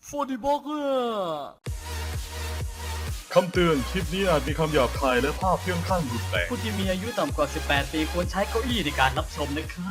ฟูดิบอกเกอร์คำเตือนคลิปนี้อาจมีคำหยาบคายและภาพเพื่องข้างรุนแรงผู้ที่มีอายุต่ำกว่า 18 ปีควรใช้เก้าอี้ในการรับชมนะครับ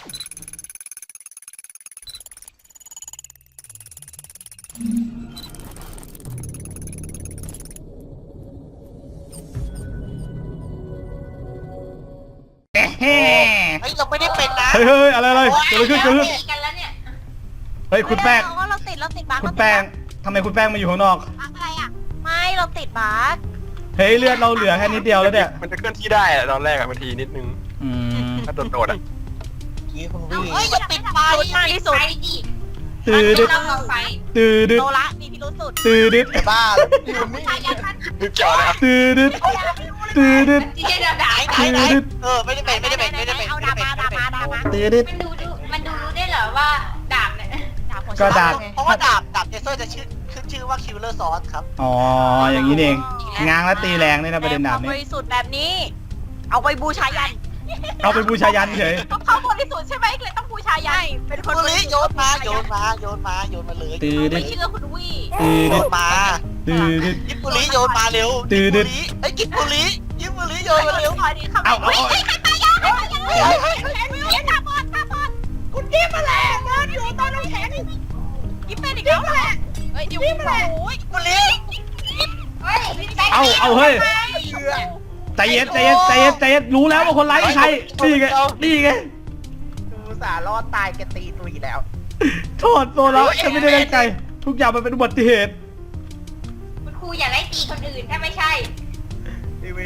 เฮ้ยเราไม่ได้เป็นนะเฮ้ยอะไรเกิดอะไรขึ้นกันแล้วเนี่ยเฮ้ยคุณแป้งเราติดบั๊กคุณแป้งทำไมคุณแป้งมาอยู่ข้างนอกอะไรอ่ะไม่เราติดบั๊กเฮ้ยเลือดเราเหลือแค่นิดเดียวแล้วเนี่ยมันจะเคลื่อนที่ได้อะตอนแรกอะบางทีนิดนึงอืมถ้าโดดๆอะกี้คุณวี่เอ้ยอย่าปิดไฟมากที่สุดตื่นดึดตื่นดึดโซละมีพิรุษสุดตื่นดึดบ้าอยู่นี่นึกจอเลยครับตื่นดึดตื่นดึดไหนไม่ได้เป็นเอาดามาตื่นดึดมันดูรู้ได้เหรอว่าดาบเนี่ยก็ดาบเพราะว่าดาบเจเซอร์จะขึ้นชื่อว่าคิลเลอร์ซอสครับอ๋ออย่างนี้เองง้างและตีแรงนี่นะประเด็นดาบบนี้ริสุทธิ์แบบนี้ เอาไปบูชายันเอาไปบูชายันเฉยเขาบริสุทธิ์ใช่ไหมเลยต้องบูชายันเป็นคนคุณลี่โยนมาเลยตื่นดึไม่ดเชื่อคุณวี่ตื่นโยดึดนมาตื่นดึดยิปปุรีโยนมาเร็วไอ้ยิปปุรีโยนมาเร็วเอาใครตายยังตาบอดคุณกิ๊บมาแล้วเดินอยู่ตอนน้ำแข็งกิ๊บเป็นอีกแล้วเฮ้ยอยู่โอ้ยปุรีเฮ้ยเอาเฮ้ยใจเย็นรู้แล้วว่าคนร้ายคือใครนี่ไงดูสารอดตายแกตีตุยแล้วโทษโซละจะไม่ได้ตั้งใจทุกอย่างมันเป็นอุบัติเหตุคุณครูอย่าไล่ตีคนอื่นถ้าไม่ใช่อีเวน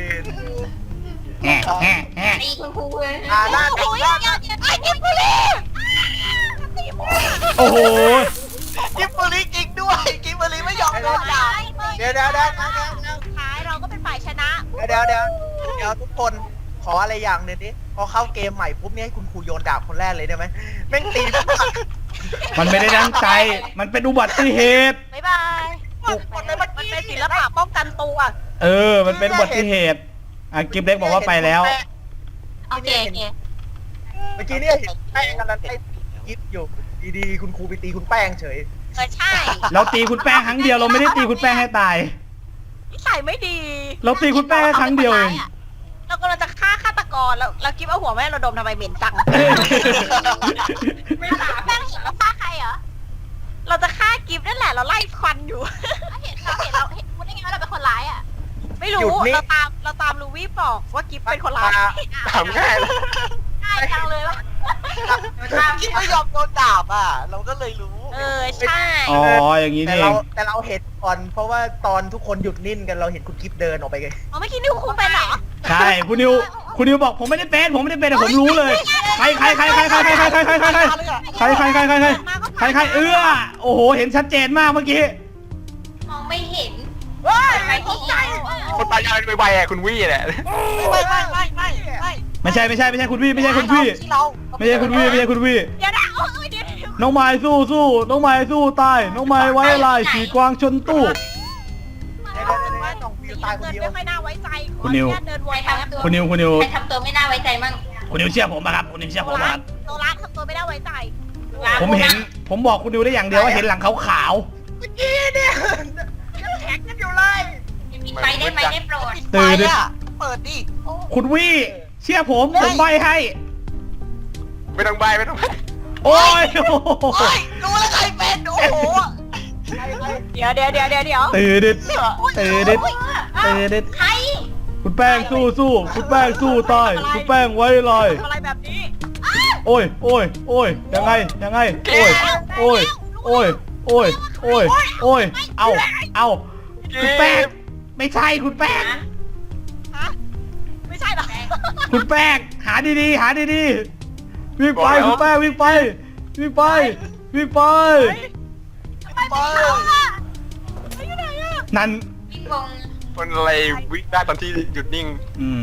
ตีคุณครูเลยหน้าโอ้ยไอ้กิ๊บบุรีโอ้โหยิปปุรีจริงด้วยยิปปุรีไม่ยอมโดนด่าเดี๋ยวท้ายเราก็เป็นฝ่ายชนะเดี๋ยวทุกคนขออะไรอย่างหนึ่งดิพอเข้าเกมใหม่ปุ๊บเนี่ยให้คุณครูโยนดาบคนแรกเลยได้ไหมแม่งตีมันไม่ได้ตั้งใจมันเป็นอุบัติเหตุบ๊ายบายมันเป็นศิลปะป้องกันตัวมันเป็นอุบัติเหตุกิฟเล็กบอกว่าไปแล้วโอเคเมื่อกี้เนี่ยเห็นแป้งกันนั้นไอ้ยิปอยู่ดีๆคุณครูไปตีคุณแป้งเฉยใช่เราตีคุณแป้งครั้งเดียวเราไม่ได้ตีคุณแป้งให้ตายนิสัยไม่ดีเราตีคุณแป้งแค่ครั้งเดียวเองเรากำลังจะฆ่าฆาตกรแล้วเราคิดว่าหัวแม่เราดมทำไมเหม็นจัง ไม่ถามแป้งเห็นเราฆ่าใครเหรอ เราจะฆ่ากิฟนั่นแหละเราไล่ควันอยู่ เห็นเราเห็นพูดได้ไงว่าเราเป็นคนร้ายอ่ะ ไม่รู้เราตามลูวี่บอกว่ากิฟเป็นคนร้ายถามง่ายเลยง่ายจังเลยว่ะยิปไม่ยอมโดนดาบอ่ะ เราก็เลยรู้ใช่อ๋ออย่างนี้แต่นี่เอเรางแต่เราเห็นก่อนเพราะว่าตอนทุกคนหยุดนิ่งกันเราเห็นคุณกิฟเดินออกไปไงอ๋อเมื่อกี้นิวคุณเป็นเหรอใช่คุณนิวบอกผมไม่ได้เป็นแต่ผมรู้เลยใครโอ้โหเห็นชัดเจนมากเมื่อกี้มองไม่เห็นไปตกใจคนตายยังไวๆอะคุณวี่แหละไม่ไม่ใช่คุณพี่ไม่ใช่คุณพี่ไม่ใช่คุณวี่เดี๋ยวนะน้องไม้สู้น้องไม้สู้ตายน้องไม้ไว้ลายสีกวางชนตู้ต้องวิวตายคนเดียวไม่ค่อยน่าไว้ใจคุณนิวเดินวใครนแป๊บทำตัวคุณนิวใครทำตัวไม่น่าไว้ใจมั่งคุณนิวเชื่อผมป่ะครับคุณนิวเชื่อผมป่ะครับโซล่าทำตัวไม่น่าไว้ใจผมบอกคุณนิวได้อย่างเดียวว่าเห็นหลังขาวแท็กกันอยู่เลยปิดไฟได้ไหมได้โปรดๆตื่นดิเปิดดิคุณวี่เชื่อผมใบให้ไม่ต้องใบไม่ต้องใบโอ้ยดูแล้วใครเป็นโอ้โหเดี๋ยวตื่นดิใครคุณแป้งสู้คุณแป้งสู้ตายคุณแป้งไว้ลอยอะไรแบบนี้โอ้ยยังไงโอ้ยเอาคุณแป้งไม่ใช่คุณแป้งฮะไม่ใช่หรอคุณแป้งหาดีวิ่งไปคุณแป้งวิ่งไปทำไมไม่เข้าอ่ะไม่อยู่ไหนอ่ะนั่นพี่วงคนอะไรวิ่งได้ตอนที่หยุดนิ่ง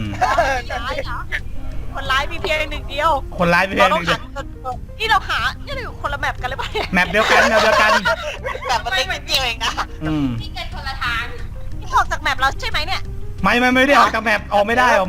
คนร้ายมีเพียงหนึ่งเดียวคนร้ายไปเพียงหนึ่งเดียวนี่เราหานี่เราอยู่คนละแมปกันเลยป่ะแมปเดียวกันแบบมันเล็กนิดเดียวเองนะพี่เกิดคนละทางนี่ออกจากแมปเราใช่ไหมเนี่ยไม่ได้ออกจากแมปออกไม่ได้มา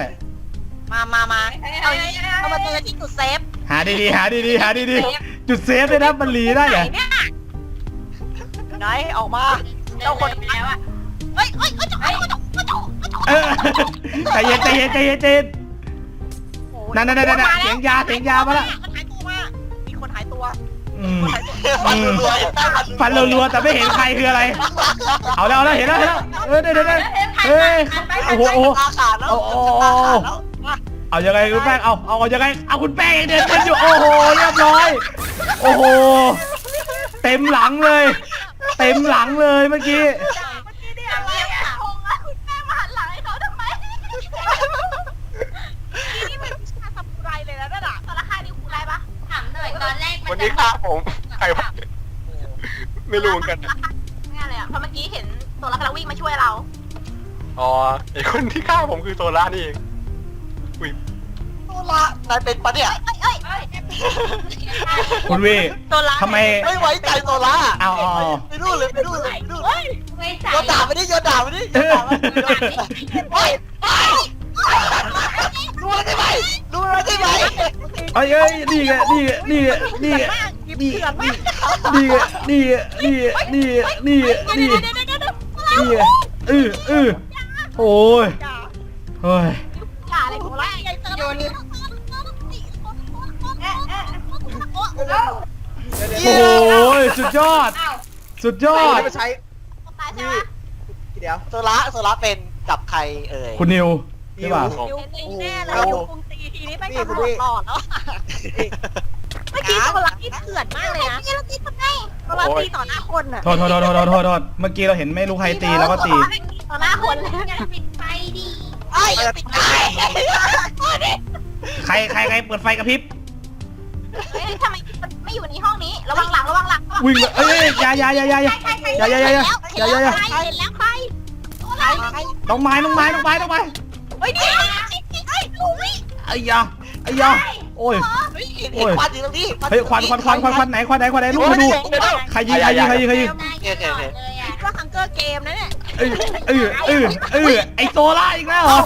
เอามาเจอที่จุดเซฟหาดีจุดเซฟเลยนะมันหลีได้เหรอเนี่ยไหนออกมาเจ้าคนแล้วอ่ะเฮ้ยจกเออใจเย็นใจเย็นใจเย็นใจเย็นนั่นเสียงยามาแล้วมันหายตัวมามีคนหายตัวฟันรัวฟันรัวๆแต่ไม่เห็นใครคืออะไร เอาแล้วเห็นแล้วเดี๋ยวเฮ้ยโอ้โหตาขาดแล้วเอายังไงคุณแป้งเอายังไงเอาคุณแป้งยังเดินกันอยู่โอ้โหเรียบร้อยโอ้โหเต็มหลังเลยเมื่อกี้คุณแม่มาหันหลังให้เขาทำไมนี่เป็นวิชาซามูไรเลยนะนั่นอะตอนละค่านี่คุณไรปะถามหน่อยตอนแรกมัวันนนี้ฆ่าผมใครวะไม่รู้เหมือนกันนะไม่อะไรอะเพราะเมื่อกี้เห็นตัวละครวิ่งมาช่วยเราอ๋อไอคนที่ฆ่าผมคือโซล่านี่เองอุ้ยโซล่านายเป็นปะเนี่ยคุณวีตัวละทำไมไม่ไว้ใจโซล่าเอาไปดูเลยไม่ใส่โยนด่าไปดิโยนด่าไปดิดูมันได้ไหมเอ้ยนี่ไงโอ้ยเฮ้ยด่าอะไรตัวละโยนโอ้ยสุดยอดมาใช้ตายใช่ไหมเดี๋ยวโซล่าเป็นกับใครเอ่ยคุณนิวใช่ป่ะยูแน่เลยยูคงตีทีนี้ไม่กระโดดหลอดแล้วเมื่อกี้ตัวละที่เถื่อนมากเลยนะเมื่อกี้เราตีทำไงตัวละตีต่อหน้าคนอะโทษเมื่อกี้เราเห็นไม่รู้ใครตีแล้วก็ตีต่อหน้าคนเลยอย่าปิดไฟดิไอ้ติดไอ้ใครเปิดไฟกระพริบเฮ้ยทำไมไม่อยู่ในห้องนี้ระวังหลังวิ่งเลยเอ้ยอย่าเห็นแล้วใครต้องไม้เฮ้ยนี่ลุยไอ้ยาโอ้ยเห็นควันอยู่ตรงนี้เฮ้ยควันไหนลูกมาดูใครยิงเลยอ่ะคิดว่าฮังเกอร์เกมนะเนี่ยไอโซล่าอีกแล้วเหรอ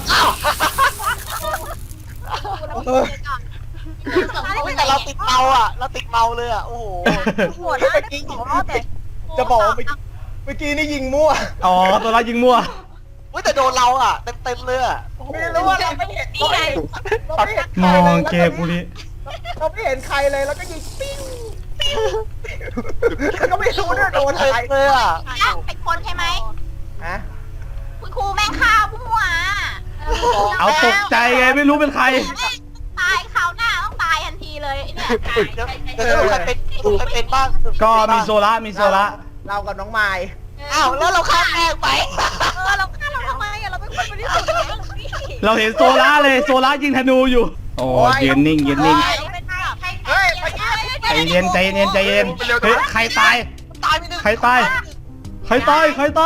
แต่เราติดเมาอ่ะเราติดเมาเลยอ่ะโอ้โหหัวหน้าได้สองรอบแต่จะบอกว่าเมื่อกี้นี่ยิงมั่วอ๋อโซล่ายิงมั่วแต่โดนเราอ่ะเต็มเลยอ่ะไม่รู้ว่าเราไม่เห็นนี่ไงมองเกมกูนี่เราไม่เห็นใครเลยแล้วก็ยิงปิ้งแล้วก็ไม่รู้ด้วยโดนอะไรเลยอ่ะเป็นคนใช่ไหมฮะคุณครูแม่งฆ่าผู้หัวเอาตกใจไงไม่รู้เป็นใครตายคราวหน้าต้องตายทันทีเลยเนี่ยเดี๋ยวใครเป็นบ้างก็มีโซล่าเรากับน้องไม้อ้าวแล้วเราข้ามแม่ไปเราฆ่าเราทำไมอะเราเป็นคนบริสุทธิ์เราเห็นโซล่าเลยโซล่ายิงธนูอยู่โอ้ยืนนิ่งเฮ้ยใจเย็นเฮ้ยใครตายตายไปหนึ่งใครตายคนฆ่า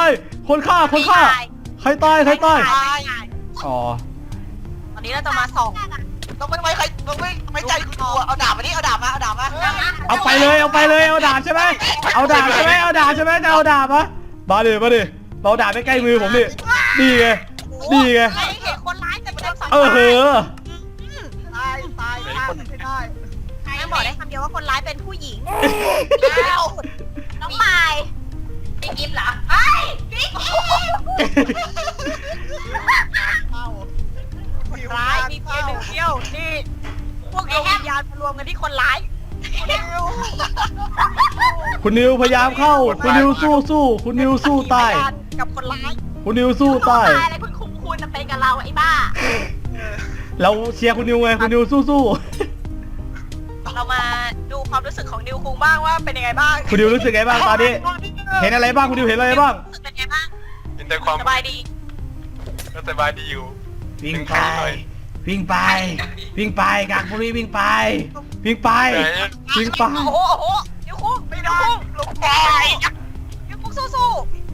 ใครตายอ๋อตอนนี้เราจะมาส่องต้องไม่ใครต้องไม่ใจคุณครูเอาดาบมาดิเอาดาบมาเอาไปเลยเอาดาบใช่ไหมจะเอาดาบปะมาดิเราดาบไม่ใกล้มือผมดินี่ไงเห็นคนร้ายแต่ไม่ได้สังตายตายไม่ได้แม่บอกได้คำเดียวว่าคนร้ายเป็นผู้หญิงน้องปายพี่กิฟต์เหรอไอ้พี่กิฟต์คนร้ายมีเพียงหนึ่งเดียวนี่พวกดวงวิญญาณมารวมกันที่คนร้ายคุณนิวพยายามเข้าคุณนิวสู้คุณนิวสู้ตายกับคนร้ายคุณนิวสู้ตายอะไรคุณจะเป็นกับเราไอ้บ้าเราเชียร์คุณนิวไงคุณนิวสู้เรามาดูความรู้สึกของนิวคุงบ้างว่าเป็นยังไงบ้างคุณนิวรู้สึกไงบ้างตอนนี้เห็นอะไรบ้างคุณนิวเห็นอะไรบ้างรู้สึกเป็นไงบ้างเห็นแต่ความสบายดีสบายดีอยู่วิ่งไปกากบุรีวิ่งไปโอ้โหนิวคุงไปนิวคุงลุกไปนิวคุงสู้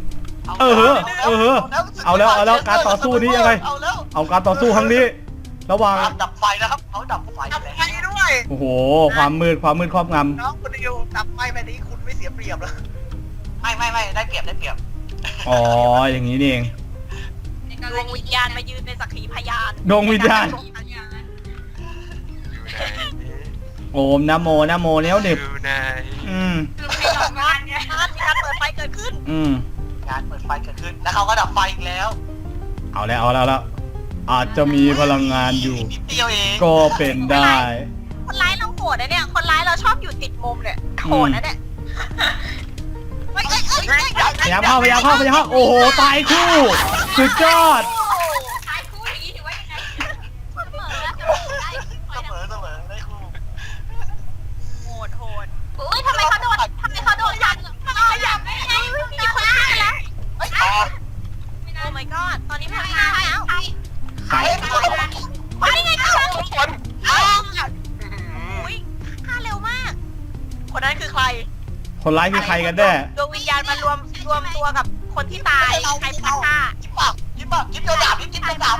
เอาแล้วการต่อสู้นี้ยังไงเอาการต่อสู้ครั้งนี้ระหว่างดับไฟนะครับเขาดับไฟด้วยโอ้โหความมืดครอบงน้องคุณดิวดับไฟแบบนี้คุณไม่เสียเปรียบหรอไม่ได้เปรียบำอ๋ออย่างนี้นี่เองดวงวิญญาณมายืนเป็นสักขีพยานดวงวิญญาณอยู่ไหนโอมนะโมเนี้ยเด็บอยู่ไหนมีการเปิดไฟเกิดขึ้นการเปิดไฟเกิดขึ้นแล้วเขาก็ดับไฟอีกแล้วเอาแล้วอาจจะมีพลังงานอยู่นิดเดียวเองก็เป็นได้คนร้ายเราโหดนะเนี่ยคนร้ายเราชอบอยู่ติดมุมเนี่ยโหดนะเนี่ยเฮ้ยพยายามเข้าโอ้โหตายคู่สุดยอดขายคู่อย่างนี้ถือว่ายังไงเสมอได้คู่โหดอุ้ยทำไมเขาโดนทันทำไมเขาขยับได้ไงมีคนฆ่าแล้วเฮ้ยโอ้ my god ตอนนี้มันฆ่าแล้วใครมาได้ไงกันคนอุ้ยฆ่าเร็วมาก คนนั้นคือใครคนร้ายคือใครกันแน่ดวงวิญญาณมารวมตัวกับคนที่ตายใครพาฆ่าจิ๊บปากจิ๊บโดนดาบจิ๊บโดนดาบ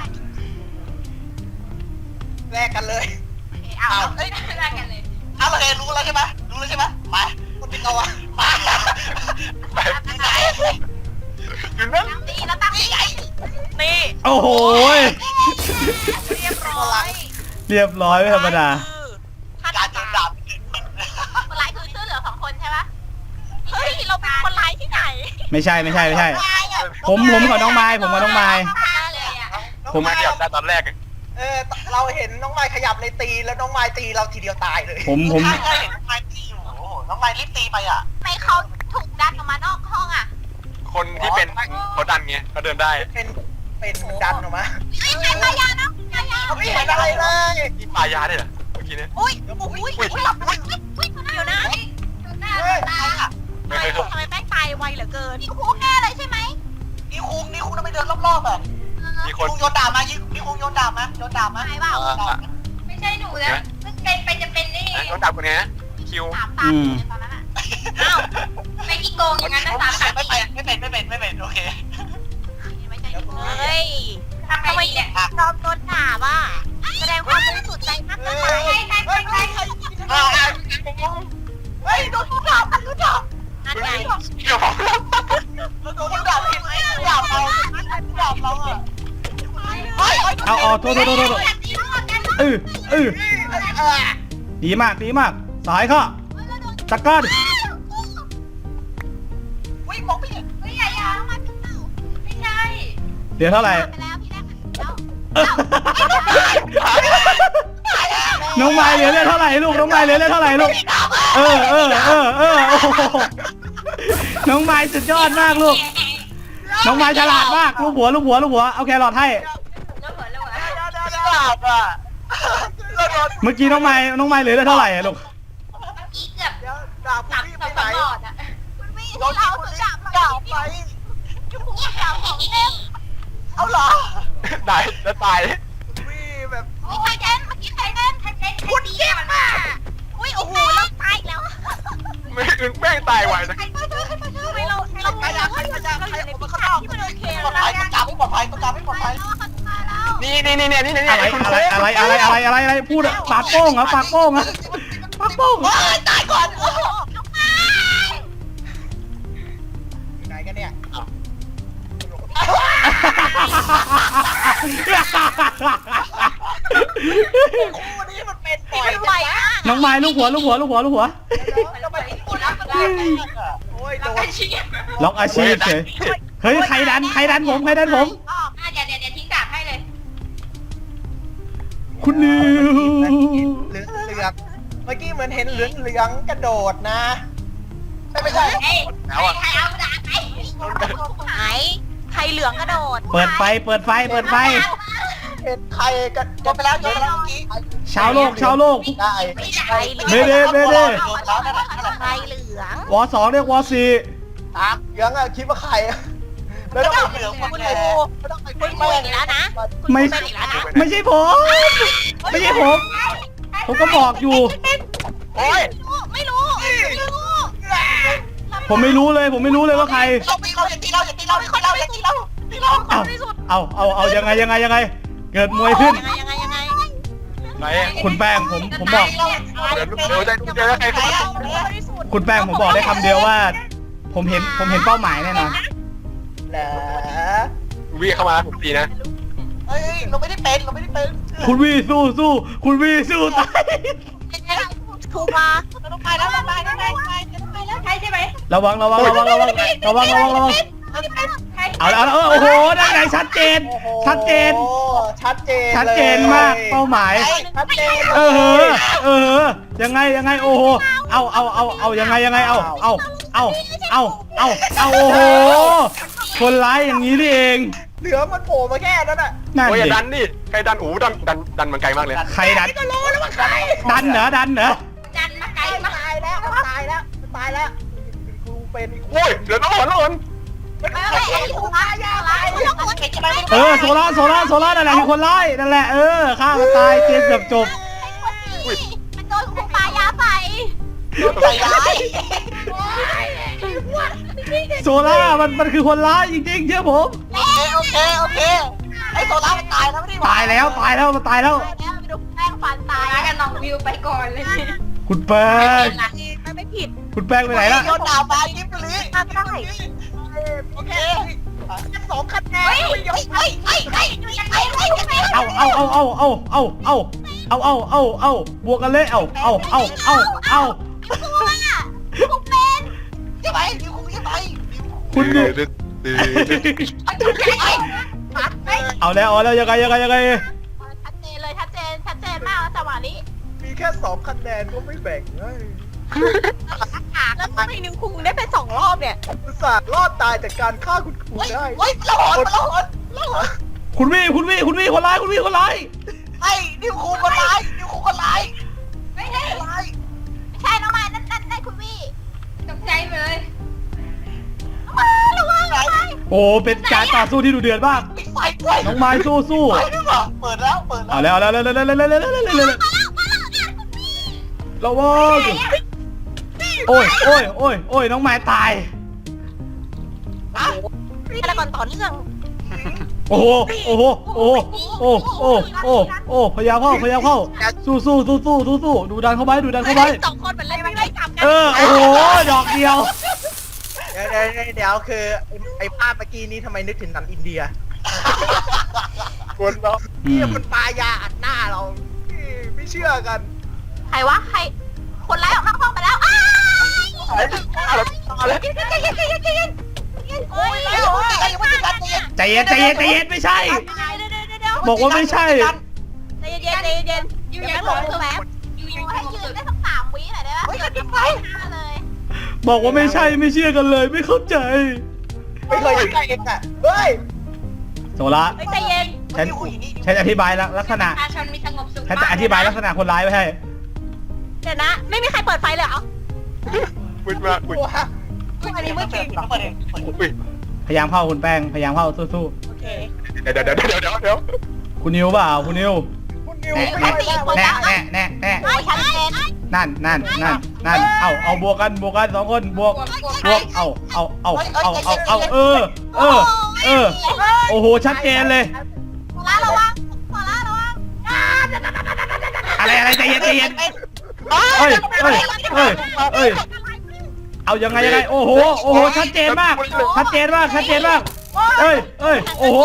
แลกกันเลยเอาเอ้ยแลกกันเลยเอาเลยรู้แล้วใช่ไหมมาคนที่เขาอะมาไปอยู่นั่นตั้งตีแล้วตั้งตีนี่โอ้โหเรียบร้อยเรียบร้อยไม่ธรรมดาท่านการโดนดาบคนร้ายคือชื่อเหลือ2 คนใช่ปะเฮ้ยเราเป็นคนร้ายที่ไหนไม่ใช่ผมกับน้องไม้ผมกับน้องไม้ฆ่าเลยอ่ะผมมาเกี่ยวได้ตอนแรกเราเห็นน้องไม้ขยับในตีแล้วน้องไม้ตีเราทีเดียวตายเลยผมใช่เห็นน้องไม้ตีอยู่โอ้โหน้องไม้รีบตีไปอ่ะทำไมเขาถูกดันออกมานอกห้องอ่ะคนที่เป็นเขาดันไงเขาเดินได้เป็นดันออกมาเฮ้ยใครตายานะตายาเขาไม่เห็นอะไรเลยมีปลายาด้วยเหรอเมื่อกี้เนี่ยอุ้ยเดี๋ยวนะดูหน้าตาไม่เคยเข้าทำไมแป้งตายไวเหลือเกินนี่คุกแน่เลยใช่ไหมนี่คุงต้องไปเดินรอบๆอ่ะมีคคุนงโยนดาบมานี่คุงโยนดาบมาหายเปล่าไม่ใช่หนูนะเพิ่งเป็นไปจะเป็นนี่โดนดับคนไงนะคิว 3 ตามในตอนนั้นอ่ะอ้าวไม่กี่โกงอย่างนั้นนะ3 ตามไม่เป็นโอเคไม่ใช่หนูเฮ้ยทำไมทำไมเนี่ยยอมโดนด่าว่ะแสดงความบริสุทธิ์ใจมากเกินไปใช่เฮ้ยโดนดาบนั่นไงเกี่ยวของโดนดาบเห็นไหมดาบเราอ่ะเอาโทษดีมากสายค่ะจักรวิ่งมองไม่เห็นไม่ใช่ยาไม่ใช่เดี๋ยวเท่าไหร่ไปแล้วพี่แรกแล้วน้องไม้เหลือเลือดเท่าไหร่ลูกน้องไม้เหลือเลือดเท่าไหร่ลูกโอ้โหน้องไม้สุดยอดมากลูกน้องไม้ฉลาดมากลูกหัวเอาแครอทให้แล้วเหมือนดาบอ่ะเมื่อกี้น้องไม้เหลือเลือดเท่าไหร่อะลูกอีเกือบดาบสับพี่สัไปบไหนตลอดอ่ะเราถือดาบไปจุ๊บดาวของเต็มเอาเหรอได้แล้วตายวิ่งแบบใครเต้นเมื่อกี้ใครเต้นคุณเจ็บอ่ะอุ้ยโอ้โหเราตายอีกแล้วไม่อื่นแม่งตายไวนะทำไมเราอยู่ในพิกัดที่มันโอเคปลอดเราภัยต้องการไม่ปลอดภัยนี่อะไรพูดอะปากโป้งเหรอปากโป้งตายก่อนไหนกันเนี่ยคู่นี้มันเป็นปล่อยมันไวมากน้องไม้ลูกหัวโอ้ยโดนล็อกอาชีพเฉยเฮ้ยใครดันผมเดี๋ยวทิ้งดาบให้เลยคุณนิวเหลืองเมื่อกี้เหมือนเห็นเหลืองกระโดดนะไม่ใช่เฮ้ยใครเอาดาบไปหายใครเหลืองกระโดดเปิดไฟเห็นใครกันโดนไปแล้วเมื่อกี้ชาวโลกได้ใครเหลืองเด้ใครเหลืองวอ2เรียกวอ4 เหลืองอะคิดว่าใครไม่ต้องไปเหลืองคุณเลยไม่ต้องไปคุณพูดอีกแล้วนะไม่เป็นอีกแล้วนะไม่ใช่ผม ผมก็บอกอยู่โอ้ยไม่รู้ผมไม่รู้เลยว่าใครเราอย่าตีเราเอายังไง เกิดมวยขึ้นยังไงไหนคุณแป้งผมบอกเดี๋ยวใครเข้ามาคุณแป้งผมบอกได้คำเดียวว่า ผมเห็นเป้าหมายแน่นอนเหรอวิ่งเข้ามาผมตีนะเฮ้ยเราไม่ได้เป็นคุณวีสู้คุณวีสู้ตายถูกมาเราต้องไปแล้วช่ใช่ไหมระวังระวังระวังระวังระวังระวังระวังใช่เอาแล้วโอ้โหได้ไงชัดเจน ชัดเจนโอ้ชัดเจนชัดเจนมากเป้าหมายชัดเจนเออยังไงโอ้โหเอายังไงเอาโอ้โหคนร้ายอย่างนี้นี่เองเหลือมันโผล่มาแค่นั้นน่ะนั่นโอ้ยอย่าดิดันดิใครดันดันมันไกลมากเลยใครดันก็รู้แล้วว่าใครดันเหรอดันมาไกลมาตายแล้วตายแล้วตายแล้วครูเป็นอีกโอ้ยเหลือน้องหอนไม่ไอ้ถูกมายาอะไรไม่ต้องคนจะไปโซล่านั่นแหละคือคนร้ายนั่นแหละฆ่ามันตายเกมเกือบจบมันโดนครูปายาใส่ใจร้ายโซล่ามันคือคนร้ายจริงๆเชื่อผมโอเคไอ้โซล่ามันตายแล้วไม่ได้ตายแล้วมันตายแล้วแล้วไปดูแป้งฟันตายมากันน้องวิวไปก่อนเลยคุณแป้งไม่ผิดคุณแป้งไปไหนล่ะโยนดาวไปยิบลีทำได้โอเค2 คะแนนเฮ้ยเอาบวกกันเลยเอาครูเป็นจะไปดิวครูจะไปคุณดิเอาแล้วยังไงชัดเจนเลยชัดเจนมากจังหวะนี้มีแค่2 คะแนนก็ไม่แบ่งเลยแล้วทำไมนิวคุงได้เป็น2 รอบเนี่ยอุตส่าห์รอดตายจากการฆ่าคุณครูได้เฮ้ยละหอนคุณวี่คนร้ายไอ้ดิวครูคนร้ายไม่ใช่ใช่น้องไม้นั่นคุณวี่ตกใจเลยมาระวังโอ้เป็นการต่อสู้ที่ดุเดือดมากไฟด้วยน้องไม้สู้ไฟด้วยเหรอเปิดแล้วเอาแล้วระวังโอ้ยน้องไม้ตายอะไรก่อนต่อเนื่องโอ้พยายามเข้าสู้ดูดันเข้าไป 2 คนมันเล่นไม่ไล่จับกันโอ้โหดอกเดียวเดี๋ยวคือไอ้ภาพเมื่อกี้นี้ทำไมนึกถึงหนังอินเดียคนเนาะนี่มันปายาอัดหน้าเราไม่เชื่อกันใครวะใครคนไล่ออกนอกห้องไปแล้วอ้าวโอ้ยใจเย็นไม่ใช่ บอกว่าไม่ใช่ใจเย็นอยู่ยังหลงแป๊บอยู่ให้ยืนได้สัก3 วิหน่อยได้ไหมเกิดไปเลยบอกว่าไม่ใช่ไม่เชื่อกันเลยไม่เข้าใจไม่เคยอยู่ใกล้เองอ่ะเฮ้ยโซล่าใจเย็นฉันอธิบายลักษณะประชาชนมีสงบสุขฉันจะอธิบายลักษณะคนร้ายไว้ให้เดี๋ยวนะไม่มีใครเปิดไฟเลยเหรอมืดมากอุ้ยอันนี้ไม่จริงอุ้ยพยายามเข้าคุณแป้งพยายามเข้าสู้โอเคเดี๋ยวๆคุณนิวเปล่าคุณนิวคุณนิวแน่ชัดเจนนั่นเอาบวกกัน2 คนบวกเอาโอ้โหชัดเจนเลยโซล่าระวังอะไรใจเย็นเอ้ยเอายังไงโอ้โหชัดเจนมากเอ้ยโอ้โห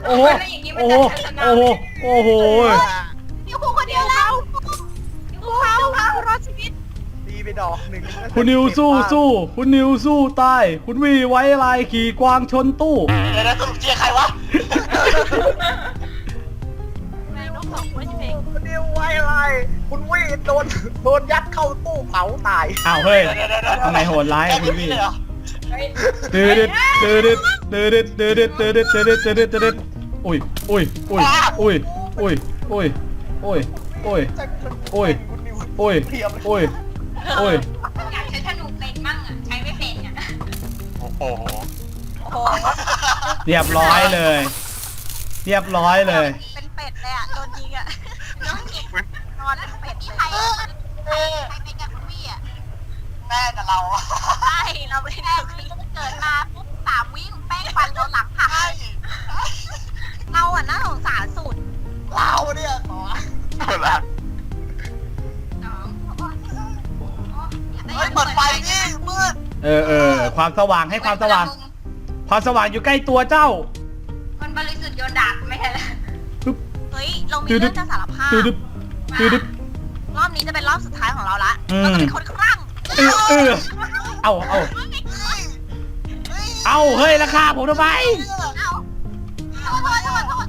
นิวคุงคนเดียวแล้วเขารอดชีวิตตีไปดอกหนึ่งคุณนิวสู้คุณนิวสู้ตายคุณวีไว้ลายขี่กวางชนตู้เดี๋ยวนะสรุปเชียร์ใครวะน้อง2 คนเองคุณนิวไว้อะไรคุณวีโดนยัดเข้าตู้เผาตายอ้าวเฮ้ยทำไมโหดร้ายคุณวีตื่นอุ้ยอยากใช้ธนูเป็นมั่งอ่ะใช้ไม่เป็นอ่ะโอ้โหโอ้เรียบร้อยเลยเป็นเป็ดเลยอ่ะโดนยิงอ่ะนอนเป็ดใครเป็นกับคุณวี่อ่ะแม่กับเราใช่เราไม่ได้เกิดมาปุ๊บ3 วิแป้งฟันเราหลังหักเราอ่ะน่าสงสารสุดเราเนี่ยขอละเปิดไฟนี่มืดความสว่างให้ความสว่างอยู่ใกล้ตัวเจ้าคนบริสุทธิ์โยนดาบไม่ใช่เหรอเฮ้ยเรามีเรื่องจะสารภาพรอบนี้จะเป็นรอบสุดท้ายของเราละเราจะเป็นคนคลั่งเอาเฮ้ยราคาผมทำไมขอโทษ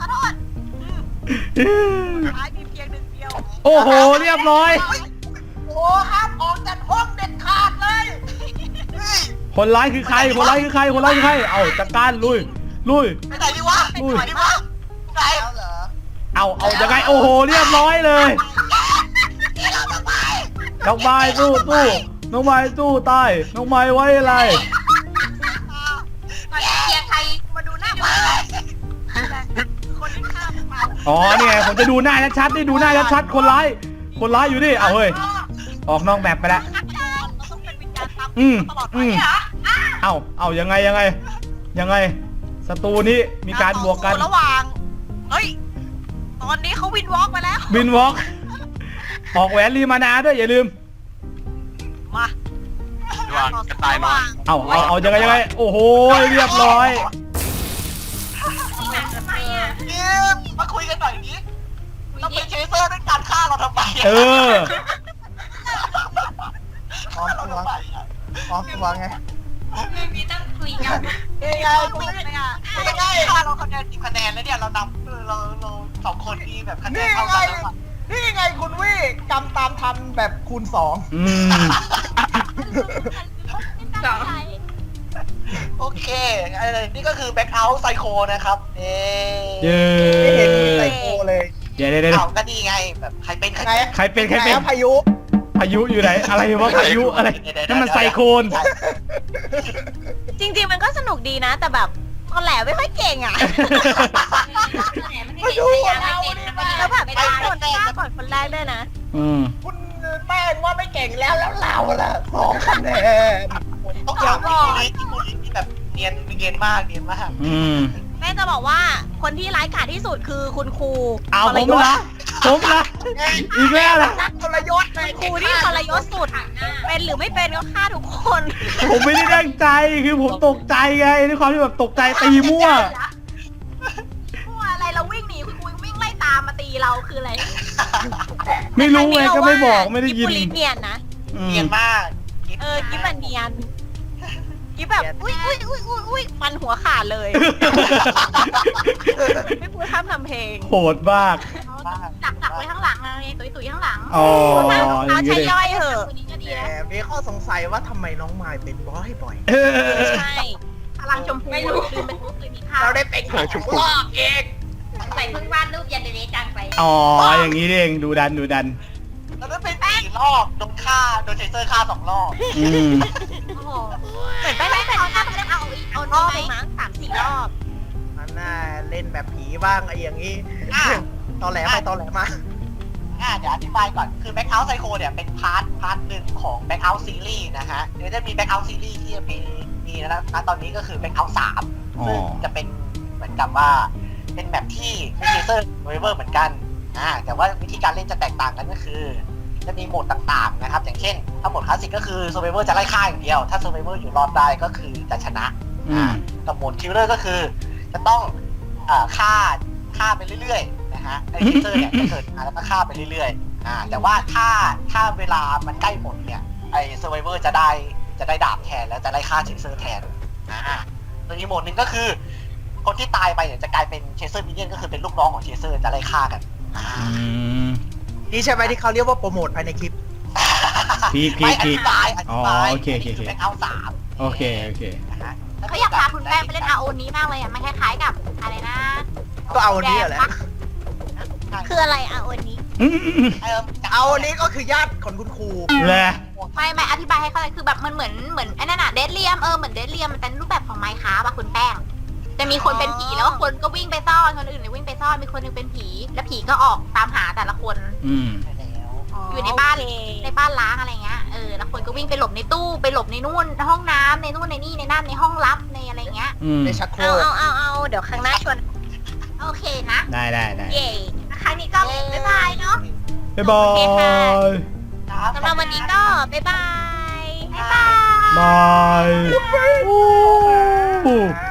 ท้ายมีเพียงหนึ่งเดียวโอ้โหเรียบร้อยโอ้ห้ามออกจากห้องเด็ดขาดเลยคนร้ายคือใครเอาจัดการลุยไปไหนดีวะไปไหนดีวะไหนเอาเหรอเอายังไงโอ้โหเรียบร้อยเลยน้องไม้สู้น้องไม้สู้ตายน้องไม้ไว้อะไรมาเชียร์ใครมาดูหน้ามาคนที่ฆ่ามันมาอ๋อนี่ไงผมจะดูหน้าชัดๆนี่ดูหน้าชัดๆคนร้ายอยู่นี่เอาเฮ้ยออกนอกแมปไปแล้วเราต้องเป็นวิญญาณตามตลอดไปเอายังไงศัตรูนี้มีการบวกกันระหว่างเฮ้ยตอนนี้เขาวินวอล์กไปแล้วบินวอล์กออกแหวนรีมานาด้วยอย่าลืมมาระหว่างกระต่ายน้อยเอายังไงโอ้โหเรียบร้อยทำไมอ่ะนี่มาคุยกันหน่อยนี้ต้องเป็นเชเซอร์ด้วยการฆ่าเราทำไมเออพร้อมตัวไงไม่มีต้องคุยกันนี่ไงกูนี่ไงฆ่าเราคะแนน10 คะแนนแล้วเนี่ยเรานำเรา2 คนที่แบบคะแนนเท่ากันแล้วอะนี่ไงคุณวี่กำตามทันแบบคูณ 2 อืมโอเคนี่ก็คือแบ็คเอาท์ไซโคนะครับเย้ไม่เห็นมีไซโคเลยเดี๋ยวเอาก็ดีไงแบบใครเป็นใครเป็นพายุพายุอยู่ไหนอะไรวะพายุอะไรนั่นมันไซโคลนจริงๆมันก็สนุกดีนะ แต่แบบตอนแหลไม่ค่อยเก่งอ่ะไม่ดูเราเนี่ยแล้วแบบไม่ได้คนฆ่าก่อนคนแรกด้วยนะคุณแป้งว่าไม่เก่งแล้วเราล่ะ2 คะแนนต้องยอมที่คุณที่แบบเนียนมากแม่จะบอกว่าคนที่ร้ายกาจที่สุดคือคุณครูเอาผมละอีกแล้วนะทรยศครูที่ทรยศสุด เป็นหรือไม่เป็นก็ฆ่าทุกคนผมไม่ได้ตั้งใจคือผมตกใจไงด้วยความที่แบบตกใจตีมั่วมั่วอะไรเราวิ่งหนีคุณครูวิ่งไล่ตามมาตีเราคืออะไรไม่รู้ไงก็ไม่บอกไม่ได้ยินกิ๊บบุรีเนียนนะเนียนมากกิ๊บมันเนียนกิ๊บแบบอุ้ยฟันหัวขาดเลย ไม่พูดข้ามทำเพลงโหดมากดักไว้ข้างหลังไงตุยข้างหลังอ๋อเอาใช้ย่อยเหอะคนนี้ก็ดีแต่แล้วมีข้อสงสัยว่าทำไมน้องมายเป็นบ่อยใช่พลังชมพูคือเป็นผู้เคยมีค่าเราได้เป็นรอบเองใส่เพิ่งวาดรูปยันเดเรจังไปอ๋ออย่างนี้เองดูดันเราได้เป็น4 รอบโดนเชเซอร์ฆ่า2 รอบอืมโอ้โหเหมือนไปไม่เป็นถ้ามันเอารอบไปมั้ง3-4 รอบมันน่าเล่นแบบผีบ้างไอ้อย่างนี้ตอแหลไปตอแหลมาเดี๋ยวอธิบายก่อนคือ Back Out Psycho เนี่ยเป็นพาร์ทหนึ่งของ Back Out Series นะฮะเดี๋ยวจะมี Back Out Series ที่จะมีนะตอนนี้ก็คือ Back Out 3ซึ่งจะเป็นเหมือนกับว่าเป็นแบบที่เป็นเชเซอร์เวเวอร์เหมือนกันแต่ว่าวิธีการเล่นจะแตกต่างกันก็คือจะมีโหมดต่างๆนะครับอย่างเช่นถ้าโหมดคลาสสิกก็คือ Survivor จะไล่ฆ่าอย่างเดียวถ้า Survivor อยู่รอดได้ก็คือจะชนะกับโหมด Killer ก็คือจะต้องฆ่าไปเรื่อยๆนะฮะไอ้เชเซอร์เนี่ยจะเกิดมาแล้วก็ฆ่าไปเรื่อยๆแต่ว่าถ้าเวลามันใกล้หมดเนี่ยไอ้ Survivor จะได้ดาบแทนแล้วจะไล่ฆ่าเชเซอร์แทนส่วนอีกโหมดหนึ่งก็คือคนที่ตายไปเนี่ยจะกลายเป็นเชเซอร์มินเนี่ยนก็คือเป็นลูกน้องของเชเซอร์จะไล่ฆ่ากันนี่ใช่ไหมที่เขาเรียกว่าโปรโมทภายในคลิปพีคอธิบายโอเคคือเป็นเอา3 โอเคเขาอยากพาคุณแป้งไปเล่น RO นี้มากเลยอ่ะมันคล้ายๆกับอะไรนะก็เอานี้แหละคืออะไรอ่ะวันนี้เอานี้ก็คือญาติของคุณครูแหละไม่อธิบายให้เข้าใจคือแบบมันเหมือนไอ้นั่นอะเดดเลียมเหมือนเดดเลียมมันเป็นรูปแบบของไมค์ค้าป่ะคุณแป้งจะมีคนเป็นผีแล้วก็คนก็วิ่งไปซ่อนคนอื่นเลยวิ่งไปซ่อนมีคนนึงเป็นผีแล้วผีก็ออกตามหาแต่ละคนอยู่ในบ้านล้างอะไรเงี้ยแล้วคนก็วิ่งไปหลบในตู้ไปหลบในนู่นห้องน้ำในนู่นในนี่ในนั่นในห้องลับในอะไรเงี้ยในชักโครกเอาเดี๋ยวครั้งหน้าชวนโอเคนะได้เย่ครั้งนี้ก็บ๊ายบายเนาะบ๊ายบายสำหรับวันนี้ก็บ๊ายบายบ๊ายบายบาย